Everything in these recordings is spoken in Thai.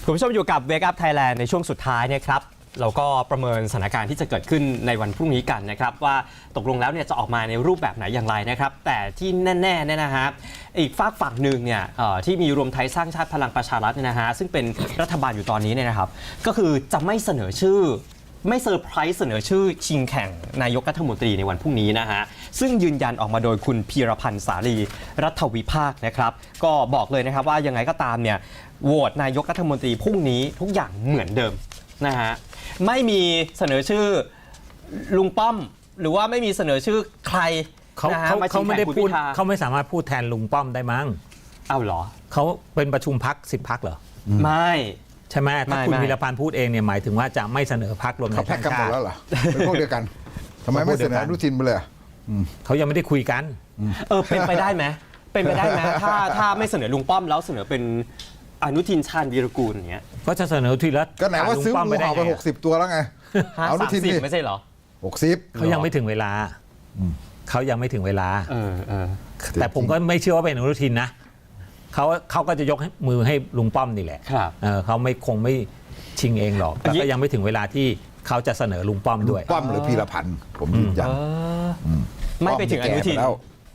คุณผู้ชมอยู่กับ Wake Up Thailand ในช่วงสุดท้ายนะครับเราก็ประเมินสถานการณ์ที่จะเกิดขึ้นในวันพรุ่งนี้กันนะครับว่าตกลงแล้วเนี่ยจะออกมาในรูปแบบไหนอย่างไรนะครับแต่ที่แน่ๆเนี่ยนะฮะอีกฝากฝั่งหนึ่งเนี่ยที่มีรวมไทยสร้างชาติพลังประชารัฐเนี่ยนะฮะซึ่งเป็นรัฐบาลอยู่ตอนนี้เนี่ยนะครับก็คือจะไม่เสนอชื่อไม่เซอร์ไพรส์เสนอชื่อชิงแข่งนายกรัฐมนตรีในวันพรุ่งนี้นะฮะซึ่งยืนยันออกมาโดยคุณพีรพันธ์สาลีรัฐวิภาคนะครับก็บอกเลยนะครับว่ายังไงก็ตามเนี่ยโหวตนายกรัฐมนตรีพรุ่งนี้ทุกอย่างเหมือนเดิมนะฮะไม่มีเสนอชื่อลุงป้อมหรือว่าไม่มีเสนอชื่อใครเขาไม่ได้พูดเขาไม่สามารถพูดแทนลุงป้อมได้มั้งเอาเหรอเขาเป็นประชุมพัก10พักเหรอไม่ใช่ไหมถ้าคุณวีรพันธ์พูดเองเนี่ยหมายถึงว่าจะไม่เสนอพรรครวมไทยสร้างชาติเขาแพ็กกันหมดแล้วเหรอเป็นพวกเดียวกันทำไมไม่เสนออนุทินไปเลยเขายังไม่ได้คุยกันเป็นไปได้ไหมเป็นไปได้ไหมถ้าไม่เสนอลุงป้อมแล้วเสนอเป็นอนุทินชาญวีรกูลอย่างเงี้ยก็จะเสนอทีละก็ไหนว่าซื้อหมูเห่าไป60 ตัวแล้วไงอนุทินไม่ใช่เหรอ 60 เขายังไม่ถึงเวลาเขายังไม่ถึงเวลาแต่ผมก็ไม่เชื่อว่าเป็นอนุทินนะเขาก็จะยกมือให้ลุงป้อมนี่แหละเขาคงไม่ชิงเองหรอกแต่ก็ยังไม่ถึงเวลาที่เขาจะเสนอลุงป้อมด้วยป้อมหรือพีรพันธ์ผมยืนยันไม่ไปถึงอนุทิน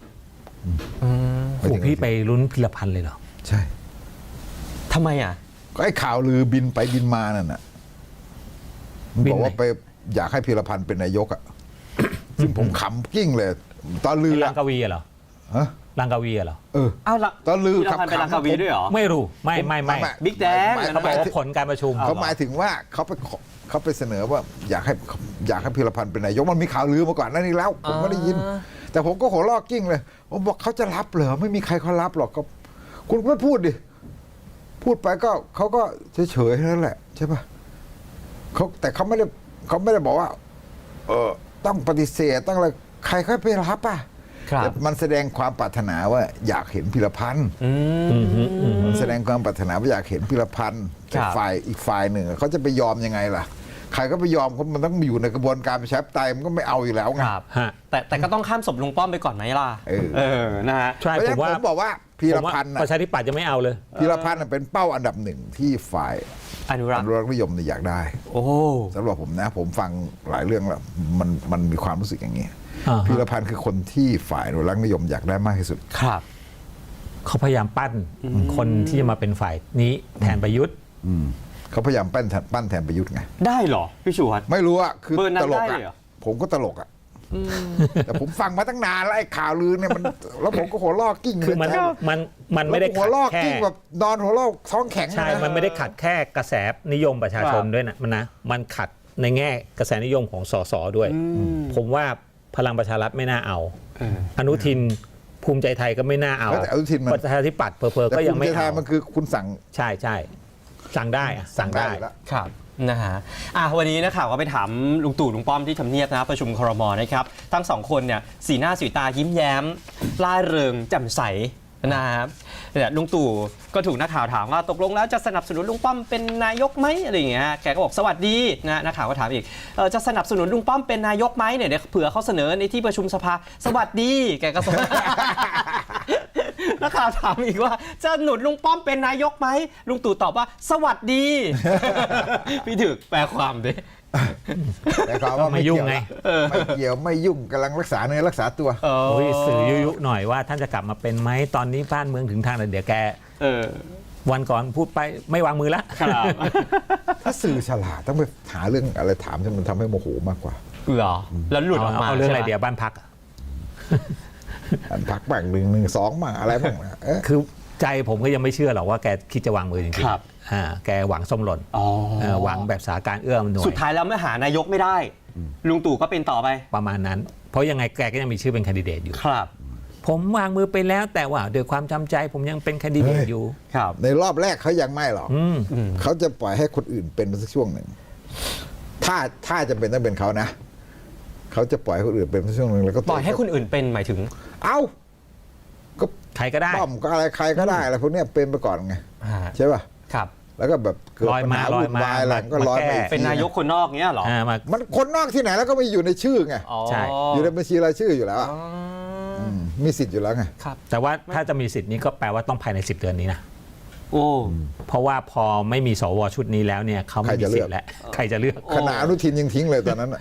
พี่ไปลุ้นพีรพันธ์เลยเหรอใช่ทำไมอ่ะก็ไอ้ข่าวลือบินไปบินมานั่นน่ะบอกว่าไปอยากให้พีรพันธ์เป็นนายกอ่ะซึ่งผมขำกิ้งเลยตอนลือลังกวีเหรอฮะลังกวีเหรอเอาละตอนลือขับเป็นลังกวีด้วยเหรอไม่รู้ไม่บิ๊กแดงเขาบอกว่าผลการประชุมเขาหมายถึงว่าเขาไปเสนอว่าอยากให้พีรพันธ์เป็นนายกมันมีข่าวลือมาก่อนนั่นนี่แล้วผมไม่ได้ยินแต่ผมก็หัวลอกกิ้งเลยผมบอกเขาจะรับเหรอไม่มีใครเขารับหรอกคุณไม่พูดดิพูดไปก็เขาก็เฉยๆนั่นแหละใช่ป่ะแต่เขาไม่ได้บอกว่าต้องปฏิเสธต้องอะไรใครเขาไปรับป่ะมันแสดงความปรารถนาว่าอยากเห็นพีรพันธ์มันแสดงความปรารถนาว่าอยากเห็นพีรพันธ์แต่ฝ่ายอีกฝ่ายหนึ่งเขาจะไปยอมยังไงล่ะใครก็ไปยอมมันต้องอยู่ในกระบวนการประชาธิปไตยมันก็ไม่เอาอยู่แล้วไงแต่ก็ต้องข้ามศพลุงป้อมไปก่อนไหมล่ะนะฮะใช่ผมบอกว่าพีรพันธ์ประชาธิปัตย์จะไม่เอาเลยพีรพันธ์เป็นเป้าอันดับหนึ่งที่ฝ่ายอนุรักษ์นิยมอยากได้สำหรับผมนะผมฟังหลายเรื่องแล้วมันมีความรู้สึกอย่างนี้พีรพันธ์คือคนที่ฝ่ายอนุรักษ์นิยมอยากได้มากที่สุดครับเขาพยายามปั้นคนที่จะมาเป็นฝ่ายนี้แทนประยุทธ์เขาพยายามปั้นแทนประยุทธ์ไงได้เหรอพี่ชูวัฒน์ไม่รู้อะคือตลกอะผมก็ตลกอะแต่ผมฟังมาตั้งนานแล้วไอ้ข่าวลือเนี่ยมันแล้วผมก็หัวลอกกิ้งคือมันไม่ได้หัวลอกกิ้งแบบนอนหัวลอกท้องแข็งใช่มันไม่ได้ขัดแค่กระแสนิยมประชาชนด้วยนะมันขัดในแง่กระแสนิยมของสสด้วยผมว่าพลังประชารัฐไม่น่าเอาอนุทินภูมิใจไทยก็ไม่น่าเอาแต่อนุทินประชาธิปัตย์เพอก็ยังไม่เอามันคือคุณสั่งใช่สั่งได้ครับนะฮะวันนี้นักข่าวก็ไปถามลุงตู่ลุงป้อมที่ทำเนียบนะประชุมครม.นะครับทั้งสองคนเนี่ยสีหน้าสีตายิ้มแย้มร่าเริงแจ่มใสนะครับเนี่ยลุงตู่ก็ถูกนักข่าวถามว่าตกลงแล้วจะสนับสนุนลุงป้อมเป็นนายกไหมอะไรอย่างเงี้ยแกก็บอกสวัสดีนะนักข่าวก็ถามอีกจะสนับสนุนลุงป้อมเป็นนายกไหมเนี่ยเดี๋ยวเผื่อเขาเสนอในที่ประชุมสภาสวัสดีแกก็นักข่าวถามอีกว่าจะหนุนลุงป้อมเป็นนายกไหมลุงตู่ตอบว่าสวัสดีพี่ถึกแปลความดิแต่เขาว่าไม่ยุ่งไงไม่เกี่ยวไม่ยุ่งกำลังรักษาเนื้อรักษาตัวสื่อยุหน่อยว่าท่านจะกลับมาเป็นไหมตอนนี้บ้านเมืองถึงทางเดี๋ยวแกวันก่อนพูดไปไม่วางมือแล้วถ้าสื่อฉลาดต้องไปหาเรื่องอะไรถามจนมันทำให้โมโหมากกว่าเหรอแล้วหลุดออกมาเอาเรื่องอะไรเดี๋ยวบ้านพักบ้าง1-2มาอะไรบ้างคือใจผมก็ยังไม่เชื่อหรอกว่าแกคิดจะวางมือจริงๆแกหวังส้มหล่นหวังแบบสถานการณ์เอื้อมหน่วยสุดท้ายแล้วเมื่อหานายกไม่ได้ลุงตู่ก็เป็นต่อไปประมาณนั้นเพราะยังไงแกก็ยังมีชื่อเป็นแคนดิเดตอยู่ครับผมวางมือไปแล้วแต่ว่าโดยความจำใจผมยังเป็นแคนดิเดตอยู่ครับในรอบแรกเขายังไม่หรอกเขาจะปล่อยให้คนอื่นเป็นสักช่วงหนึ่งถ้าจะเป็นต้องเป็นเขานะเขาจะปล่อยให้คนอื่นเป็นสักช่วงหนึ่งแล้วก็ปล่อยให้คนอื่นเป็นหมายถึงก็ใครก็ได้ป้อมก็อะไรใครก็ได้อะไรพวกนี้เป็นไปก่อนไงใช่ป่ะครับแล้วก็แบบเกิดปัญหาวุ่นวายอะไรก็ลอยไปเป็นนายกคนนอกเงี้ยหรอมันคนนอกที่ไหนแล้วก็ไม่อยู่ในชื่อไงใช่อยู่ในบัญชีรายชื่ออยู่แล้วมีสิทธิ์อยู่แล้วไงแต่ว่าถ้าจะมีสิทธิ์นี้ก็แปลว่าต้องภายใน10 เดือนนี้นะโอ้เพราะว่าพอไม่มีสวชุดนี้แล้วเนี่ยเขาไม่มีสิทธิ์แล้วใครจะเลือกขณะอนุทินยังทิ้งเลยตอนนั้นน่ะโอ้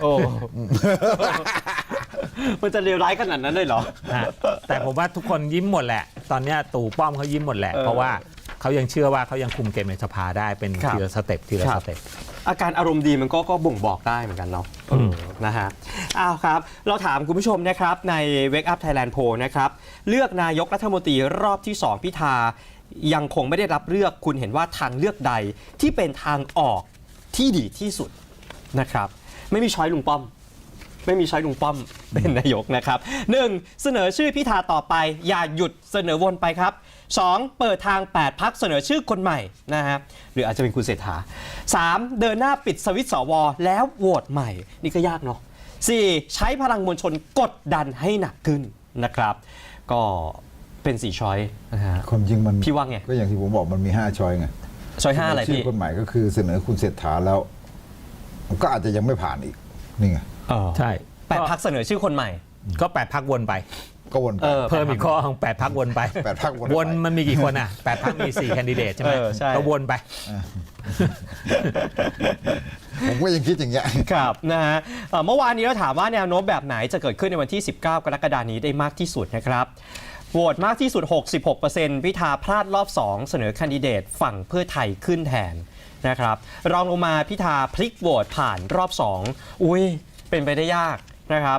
มันจะเลวร้ายขนาดนั้นเลยเหรอฮะแต่ผมว่าทุกคนยิ้มหมดแหละ ตอนเนี้ยตู่ป้อมเขายิ้มหมดแหละ เพราะว่าเขายังเชื่อว่าเขายังคุมเกมในสภาได้เป็นครับทีละสเต็ปทีละครัสบเต็ปอาการอารมณ์ดีมันก็บ่งบอกได้เหมือนกันเนาะนะฮะอ้าวครับ เราถามคุณผู้ชมนะครับใน Wake Up Thailand Poll นะครับเลือกนายกรัฐมนตรีรอบที่ 2 พิธายังคงไม่ได้รับเลือกคุณเห็นว่าทางเลือกใดที่เป็นทางออกที่ดีที่สุดนะครับ ไม่มีช้อยลุงป้อม ไม่มีช้อยลุงป้อมเป็นนายกนะครับ 1. เสนอชื่อพิธาต่อไปอย่าหยุดเสนอวนไปครับ 2. เปิดทาง 8 พักเสนอชื่อคนใหม่นะฮะหรืออาจจะเป็นคุณเศรษฐา 3. เดินหน้าปิดสวิตช์สวแล้วโหวตใหม่ นี่ก็ยากเนาะ 4. ใช้พลังมวลชนกดดันให้หนักขึ้นนะครับ ก็เป็น4ช้อยนะฮะความจริงมันพี่ว่าไงก็อย่างที่ผมบอกมันมี5ช้อยไงช้อย5อะไรชื่พี่อคนใหม่ก็คือเสนอคุณเศรษฐาแล้วก็อาจจะยังไม่ผ่านอีกนี่ไงใช่ 8 พักเสนอชื่อคนใหม่ก็8พักวนไปก็วนไปเพิ่มอีกข้อของ8พักวนไป 8พรรควนไปวนมันมีกี่คนอ่ะ8พักมี4แคนดิเดตใช่ไหมใช่ก็วนไปผมก็ยังคิดอย่างเงี้ยครับนะฮะเมื่อวานนี้เราถามว่าแนวโน้มแบบไหนจะเกิดขึ้นในวันที่ 19 กรกฎาคมนี้ได้มากที่สุดนะครับโหวตมากที่สุด 66% พิธาพลาดรอบ 2 เสนอแคนดิเดตฝั่งเพื่อไทยขึ้นแทนนะครับรองลงมาพิธาพลิกโหวตผ่านรอบ 2 อุ้ยเป็นไปได้ยากนะครับ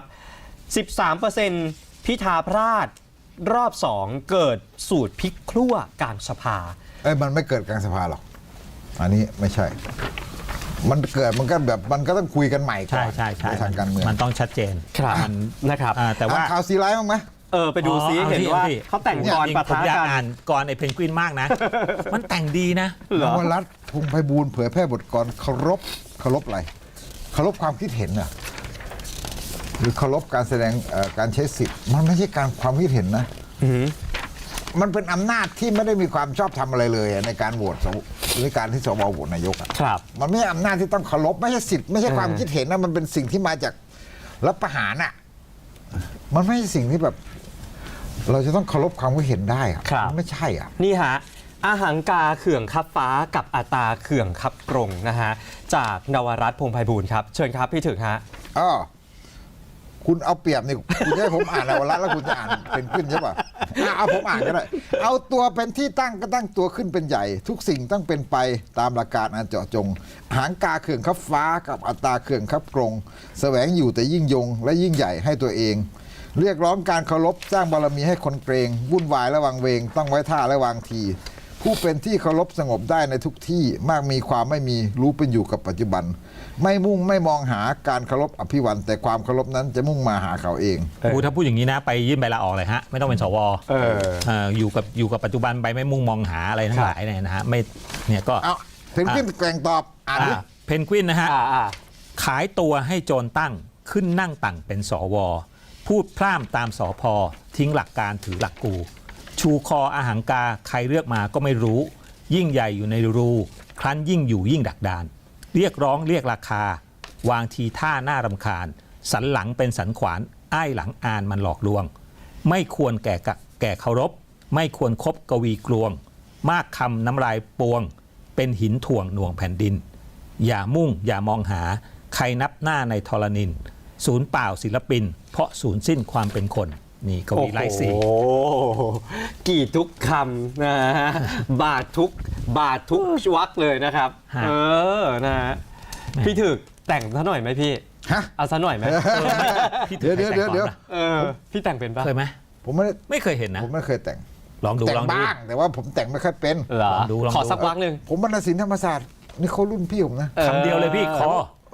13% พิธาพลาดรอบ 2 เกิดสูตรพลิกครั่วกลางสภามันไม่เกิดกลางสภาหรอก อันนี้ไม่ใช่ มันเกิดมันก็แบบมันก็ต้องคุยกันใหม่ก่ใช่อนใช่ใช่ในทางการเมืองมันต้องชัดเจนครับมันนะครับแต่ว่าอ่านข่าวซีไลท์บ้างไหมไปดูซิอ๋อเห็นว่าเอาสิเขาแต่งกรปะผมทะอยากกันอ่านกรไอ้เพนกวินมากนะ มันแต่งดีนะเหรอนวรัตน์พงษ์ไพบูลย์เผยแพร่บทกลเคารพอะไรเคารพความคิดเห็นน่ะหรือเคารพการแสดงการใช้สิทธิ์มันไม่ใช่การความคิดเห็นนะมันเป็นอำนาจที่ไม่ได้มีความชอบธรรมอะไรเลยในการโหวตในการที่สวโหวตนายกอะครับมันไม่ใช่อำนาจที่ต้องเคารพไม่ใช่สิทธิ์ไม่ใช่ความคิดเห็นนะมันเป็นสิ่งที่มาจากรัฐประหารอ่ะมันไม่ใช่สิ่งที่แบบ เราจะต้องเคารพความคิดเห็นได้อะครับมันไม่ใช่อ่ะนี่ฮะอาหังกาเขื่องคับฟ้ากับอัตราเขื่องคับกรงนะฮะจากนวรัตน์พงษ์ไพบูลย์ครับเชิญครับพี่ถึกฮะคุณเอาเปรียบนี่คุณจะให้ผมอ่านนวรัตน์แล้วคุณจะอ่านเป็นขึ้นใช่ป่ะเอาผมอ่านก็ได้เอาตัวเป็นที่ตั้งก็ตั้งตัวขึ้นเป็นใหญ่ ทุกสิ่งต้องเป็นไปตามหลักการอันเจาะจงหางกาเขื่องคับฟ้ากับอัตราเขื่องคับกรงแสวงอยู่แต่ยิ่งยงและยิ่งใหญ่ให้ตัวเอง เรียกร้องการเคารพสร้างบารมีให้คนเกรงวุ่นวายและวังเวงต้องไว้ท่าและวางที ผู้เป็นที่เคารพสงบได้ในทุกที่มากมีความไม่มีรู้เป็นอยู่กับปัจจุบัน ไม่มุ่งไม่มองหาการเคารพอภิวันแต่ความเคารพนั้นจะมุ่งมาหาเขาเองถ้าพูดอย่างนี้นะไปยื่นใบลาออกเลยฮะไม่ต้องเป็นสวอยู่กับปัจจุบันไปไม่มุ่งมองหาอะไรทั้งหลายเนี่ยนะฮะไม่เนี่ยก็เอาเพนกวินแกล่งตอบอ่านดิเพนกวินนะฮะอ่าขายตัวให้โจรตั้งขึ้นนั่งตั้งเป็นสวพูดพร่ำตามสพทิ้งหลักการถือหลักกู ชูคออาหังกาใครเลือกมาก็ไม่รู้ ยิ่งใหญ่อยู่ในรูครั้นยิ่งอยู่ยิ่งดักดาน เรียกร้องเรียกราคาวางทีท่าหน้ารำคาญ สันหลังเป็นสันขวานอ้ายหลังอานมันหลอกลวง ไม่ควรแก่เคารพ ไม่ควรคบกวีกลวง มากคำน้ำลายปวง เป็นหินถ่วงหน่วงแผ่นดิน อย่ามุ่งอย่ามองหาใครนับหน้าในธรณินศูนย์เปล่าศิลปิน เพราะศูนย์สิ้นความเป็นคนนี่กวีไร้สีโอ้โหกี่ทุกคำนะฮะบาททุกวรรคเลยนะครับฮะนะฮะพี่ถึกแต่งซะหน่อยไหมพี่ฮะเอาซะหน่อยไหมพี่เดี๋ยวแต่งก่อนเดี๋ยวปะพี่แต่งเป็นปะเคยไหมผมไม่ได้ไม่เคยเห็นนะผมไม่เคยแต่งลองดูแต่งลองดูบ้างแต่ว่าผมแต่งไม่ค่อยเป็นเหรอลองดูขอสักวักหนึ่งผมบรรณศิลป์ธรรมศาสตร์นี่เขารุ่นพี่ผมนะคำเดียวเลยพี่ขอ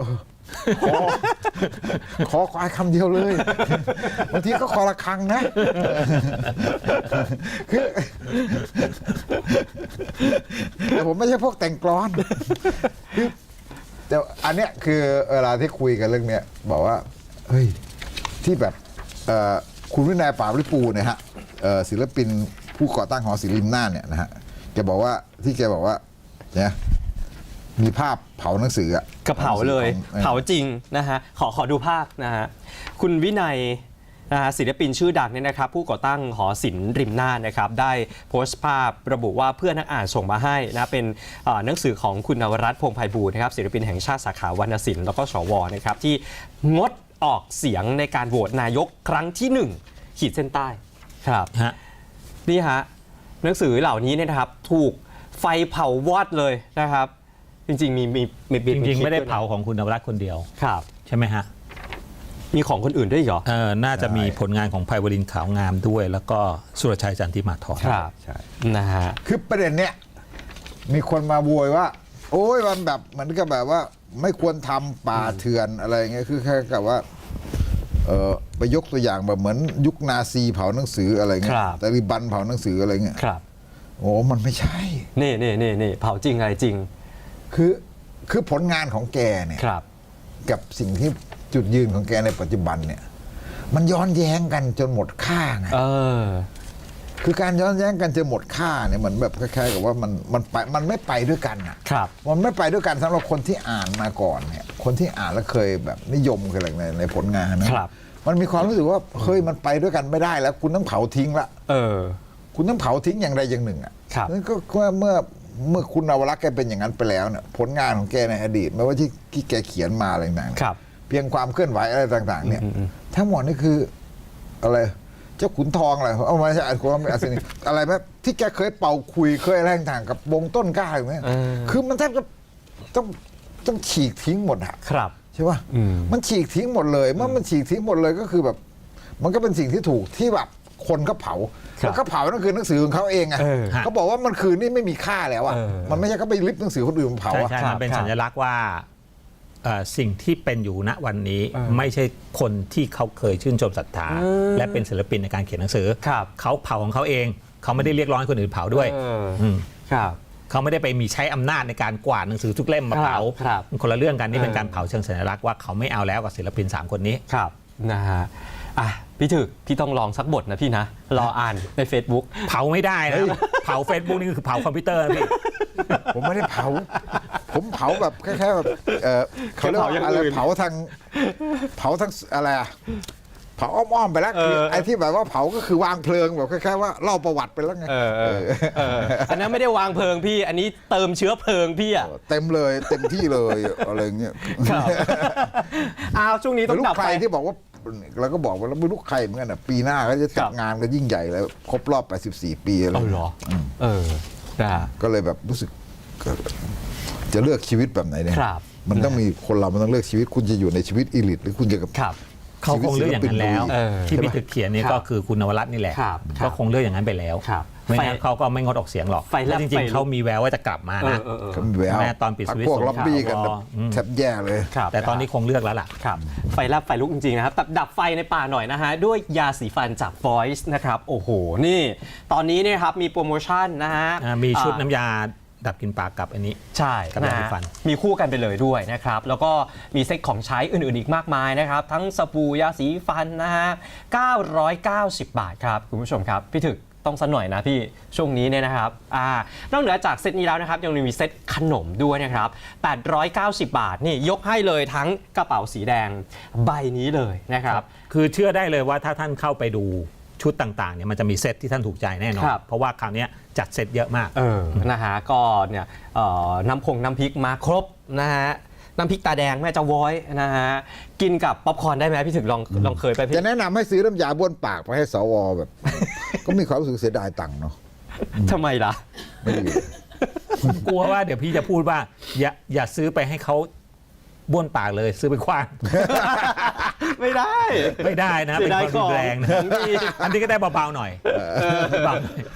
ขอควายคำเดียวเลยบางทีก็ขอละครังนะคือแต่ผมไม่ใช่พวกแต่งกลอนคือแต่อันเนี้ยคือเวลาที่คุยกันเรื่องเนี้ยบอกว่าเฮ้ยที่แบบคุณวินัยป่าบริปูรณ์เนี่ยฮะศิลปินผู้ก่อตั้งหอศิลป์ริมน่านเนี่ยนะฮะแกบอกว่าที่แกบอกว่าเนี่ยมีภาพเผาหนังสืออะกระเผาเลย เผาจริงนะฮะขอดูภาพนะฮะคุณวินัยนะฮะศิลปินชื่อดังเนี่ยนะครับผู้ก่อตั้งหอศิลป์ริมน่านนะครับได้โพสต์ภาพระบุว่าเพื่อนนักอ่านส่งมาให้นะเป็นหนังสือของคุณนวรัตน์พงษ์ไพบูลย์นะครับศิลปินแห่งชาติสาขาวรรณศิลป์แล้วก็สวนะครับที่งดออกเสียงในการโหวตนายกครั้งที่ 1 ขีดเส้นใต้ครับฮะนี่ฮะหนังสือเหล่านี้เนี่ยนะครับถูกไฟเผาวอดเลยนะครับจริงๆมีจริงๆไม่ได้คลิปวยนะเผาของคุณนวรัตน์คนเดียวครับใช่ไหมฮะมีของคนอื่นด้วยเหรอน่าจะมีผลงานของไพวรินทร์ขาวงามด้วย แล้วก็สุรชัยจันทิมาธรครับใช่นะฮะคือประเด็นเนี้ยมีคนมาโวยว่า โอ้ยมันแบบเหมือนกับแบบว่า ไม่ควรทำป่าเถื่อนอะไรเงี้ยคือแค่กับว่าไปยกตัวอย่างแบบเหมือนยุคนาซีเผาหนังสืออะไรเงี้ยครับตาลิบันเผาหนังสืออะไรเงี้ยครับโอ้มันไม่ใช่นี่เผาจริงอะไรจริงคือผลงานของแกเนี่ยครับกับสิ่งที่จุดยืนของแกในปัจจุบันเนี่ย มันย้อนแย้งกันจนหมดค่าไง คือการย้อนแย้งกันจนหมดค่าเนี่ยเหมือนแบบคล้ายๆกับว่ามันไม่ไปด้วยกันอ่ะครับมันไม่ไปด้วยกันสำหรับคนที่อ่านมาก่อนเนี่ยคนที่อ่านแล้วเคยแบบนิยมเคยอะไรในผลงานนะครับ มันมีความรู้สึกว่าเฮ้ยมันไปด้วยกันไม่ได้แล้ว คุณต้องเผาทิ้งละคุณต้องเผาทิ้งอย่างใดอย่างหนึ่งอ่ะครับนั่นก็เมื่อคุณนวรัตน์แกเป็นอย่างนั้นไปแล้วเนี่ยผลงานของแกในอดีตไม่ว่าที่แกเขียนมาอะไรต่างๆครับเพียงความเคลื่อนไหวอะไรต่างๆเนี่ยทั้งหมดนี่คืออะไรเจ้าขุนทองอะไรเอามาใช่ความไม่อาศินีอะไรแบบที่แกเคยเป่าคุยเคยอะไรต่างๆกับวงต้นกล้าอย่างเงี้ยคือมันแทบจะต้องฉีกทิ้งหมดอะครับใช่ป่ะมันฉีกทิ้งหมดเลยเมื่อมันฉีกทิ้งหมดเลยก็คือแบบ มันก็เป็นสิ่งที่ถูกที่แบบคนก็เผาแล้วก็เผานั่นคือหนังสือของเขาเองไงเขาบอกว่ามันคือนี่ไม่มีค่าแล้วอะมันไม่ใช่เขาไปริบหนังสือคนอื่นมาเผาอะใช่มันเป็นสัญลักษณ์ว่าสิ่งที่เป็นอยู่ณวันนี้ไม่ใช่คนที่เขาเคยชื่นชมศรัทธาและเป็นศิลปินในการเขียนหนังสือครับเขาเผาของเขาเองเขาไม่ได้เรียกร้องให้คนอื่นเผาด้วยครับเขาไม่ได้ไปมีใช้อำนาจในการกวาดหนังสือทุกเล่มมาเผาครับคนละเรื่องกันนี่เป็นการเผาเชิงสัญลักษณ์ว่าเขาไม่เอาแล้วกับศิลปิน3คนนี้ครับนะฮะพี่ถึกพี่ต้องลองสักบทนะพี่นะรออ่านใน Facebook เผาไม่ได้นะเผา Facebook นี่คือเผาคอมพิวเตอร์นะพี่ผมไม่ได้เผา ผมเผาแบบแค่แบบเขาเรียกว่าอะไรเผาทางอะไรอะเผาอ้อมๆไปแล้วคือไอ้ที่แบบว่าเผาก็คือวางเพลิงแบบคล้ายๆว่าเล่าประวัติไปแล้วไงอันนั้นไม่ได้วางเพลิงพี่ อันนี้เติมเชื้อเพลิงพี่อ่ะเต็มเลยเต็มที่เลยอะไรเงี้ยครับช่วงนี้ต้องลูกลักบใครไปที่บอกว่าเราก็บอกว่าเราไม่รู้ใครเหมือนกันนะปีหน้าก็จะจัดงานกันยิ่งใหญ่แล้วครบรอบ84 ปีแล้วเอาเหรอได้ก็เลยแบบรู้สึกจะเลือกชีวิตแบบไหนเนี่ยครับมันต้องมีคนเรามันต้องเลือกชีวิตคุณจะอยู่ในชีวิตอีลิทหรือคุณจะกับครับเขาคงเลือกอย่างนั้นแล้ว ที่ใช่ไหมพี่ถึกเขียนนี่ครับก็คือคุณนวรัตน์นี่แหละครับก็คงเลือกอย่างนั้นไปแล้วครับไม่งั้นเขาก็ไม่งดออกเสียงหรอกไฟแลบจริงไฟลุกๆเขามีแววว่าจะกลับมานะก็มีแววแม่ตอนปิดสวิตช์พวกล็อบบี้กันสงครามแทบแย่เลยครับแต่ตอนนี้คงเลือกแล้วล่ะครับไฟแลบไฟลุกจริงๆนะครับดับไฟในป่าหน่อยนะฮะด้วยยาสีฟันจาก Voice นะครับโอ้โหนี่ตอนนี้เนี่ยครับมีโปรโมชั่นนะฮะมีชุดน้ำยาดับกลิ่นปากกับอันนี้ใช่กับยาสีฟันมีคู่กันไปเลยด้วยนะครับแล้วก็มีเซ็ตของใช้อื่นๆอีกมากมายนะครับทั้งสบู่ยาสีฟันนะฮะ990 บาทครับคุณผู้ชมครับพี่ถึกต้องสักหน่อยนะพี่ช่วงนี้เนี่ยนะครับนอกเหนือจากเซตนี้แล้วนะครับยังมีเซตขนมด้วยนะครับ890 บาทนี่ยกให้เลยทั้งกระเป๋าสีแดงใบนี้เลยนะครับคือเชื่อได้เลยว่าถ้าท่านเข้าไปดูชุดต่างๆเนี่ยมันจะมีเซตที่ท่านถูกใจแน่นอนครับเพราะว่าคราวนี้จัดเซตเยอะมากนะฮะก็เนี่ยน้ำพริกมาครบนะฮะน้ำพริกตาแดงแม่เจ้าว้อยนะฮะกินกับป๊อปคอร์นได้ไหมพี่ถึงลองเคยไปพี่จะแนะนำให้ซื้อน้ำยาบ้วนปากไปให้สวแบบ ก็มีความรู้สึกเสียดายตังค์เนาะทำไมล่ะไม่ดีกลัวว่าเดี๋ยวพี่จะพูดว่าอย่าซื้อไปให้เขาบ้วนปากเลยซื้อไปคว้างไม่ได้ไม่ได้นะเสีเป็ยนดายความรุนแรงขนะองดีอันนี้ก็ได้เบาๆหน่อยเบาๆหน่อย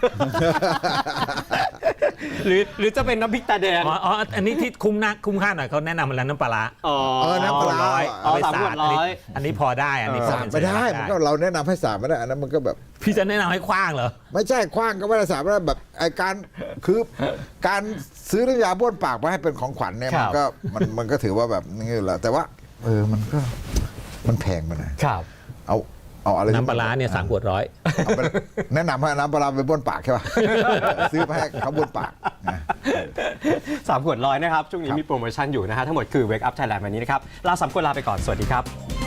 หรือจะเป็นน้ำพริกตาแดงอ๋ออันนี้ที่คุ้มค่าหน่อยเขาแนะนำมาแล้วน้ำปลาร้าน้ำปลาร้าเอาไป 3 สาขวดดร้อยอันนี้พอได้อันนี้พอสาดเป็นไม่ได้สัญมันลักษณ์ก็เราแนะนำให้สาดไม่ได้อันนั้นมันก็แบบพี่จะแนะนำให้คว้างเหรอไม่ใช่คว้างก็ไม่ได้สาดไม่ได้แบบไอการคือการซื้อน้ำยาบ้วนปากมาให้เป็นของขวัญเนี่ยครัมันบก็มันก็ถือว่าแบบนี่แหละแต่ว่ามันแพงไปหน่อยครับเอาอะไรน้ำปลาร้าเนี่ย3 ขวดร้อยเอาไปแนะนำให้น้ำปลาร้าไปบ้วนปากใช่ป่ะ ซื้อไปให้เขาบ้วนปากนะ 3 ขวดร้อยนะครับช่วงนี้มีโปรโมชั่นอยู่นะฮะทั้งหมดคือ Wake Up Thailand วันนี้นะครับลา3 คนลาไปก่อนสวัสดีครับ